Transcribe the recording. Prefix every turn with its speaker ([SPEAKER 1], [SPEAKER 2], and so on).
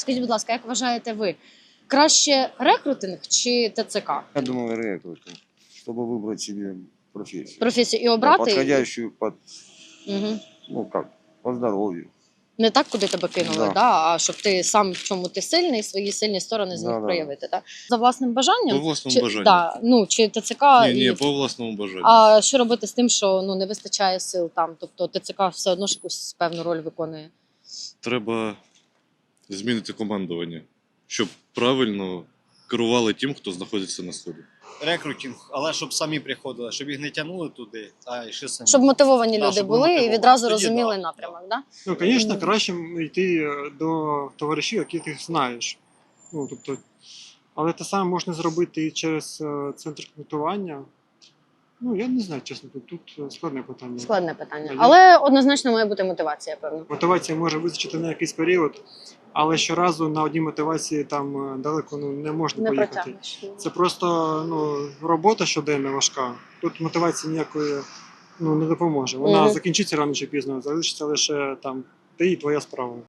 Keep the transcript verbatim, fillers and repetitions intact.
[SPEAKER 1] Скажіть, будь ласка, як вважаєте ви, краще рекрутинг чи ТЦК?
[SPEAKER 2] Я думаю, рекрутинг, чтобы выбрать себе профессию.
[SPEAKER 1] Професію і
[SPEAKER 2] Да,
[SPEAKER 1] обрати?
[SPEAKER 2] подходящую под,
[SPEAKER 1] Угу.
[SPEAKER 2] ну как, по здоровью.
[SPEAKER 1] Не так, куди тебе кинули,
[SPEAKER 2] Да.
[SPEAKER 1] да. а щоб ти сам в чому ти сильний, свої сильні сторони зміг
[SPEAKER 2] Да-да.
[SPEAKER 1] проявити. Да? За власним бажанням?
[SPEAKER 3] По власному
[SPEAKER 1] Чи,
[SPEAKER 3] бажанню.
[SPEAKER 1] да, ну, чи ТЦК?
[SPEAKER 3] Ні,
[SPEAKER 1] і...
[SPEAKER 3] ні, по власному бажанню.
[SPEAKER 1] А що робити з тим, що ну, не вистачає сил там? Тобто ТЦК все одно ж якусь певну роль виконує?
[SPEAKER 3] Треба змінити командування, щоб правильно керували тим, хто знаходиться на сході.
[SPEAKER 4] Рекрутинг, але щоб самі приходили, щоб їх не тягнули туди, а йшли самі.
[SPEAKER 1] Щоб мотивовані
[SPEAKER 4] Да,
[SPEAKER 1] люди
[SPEAKER 4] щоб
[SPEAKER 1] були і
[SPEAKER 4] мотивовані.
[SPEAKER 1] відразу
[SPEAKER 4] Тоді
[SPEAKER 1] розуміли
[SPEAKER 4] да,
[SPEAKER 1] напрямок, да?
[SPEAKER 5] Ну, звісно, краще йти до товаришів, яких ти знаєш. Ну, тобто, але те саме можна зробити і через е, центр комплектування. Ну, я не знаю, чесно, тут, тут складне питання.
[SPEAKER 1] Складне питання.
[SPEAKER 5] Я-
[SPEAKER 1] Але однозначно має бути мотивація, певно.
[SPEAKER 5] Мотивація може визначити на якийсь період, але щоразу на одній мотивації там е, далеко ну, не можна
[SPEAKER 1] Не
[SPEAKER 5] поїхати.
[SPEAKER 1] протягнеш.
[SPEAKER 5] Це просто ну, робота щоденна важка. Тут мотивації ніякої ну, не допоможе. Вона
[SPEAKER 1] Мгм.
[SPEAKER 5] закінчиться рано чи пізно, залишиться лише там ти і твоя справа.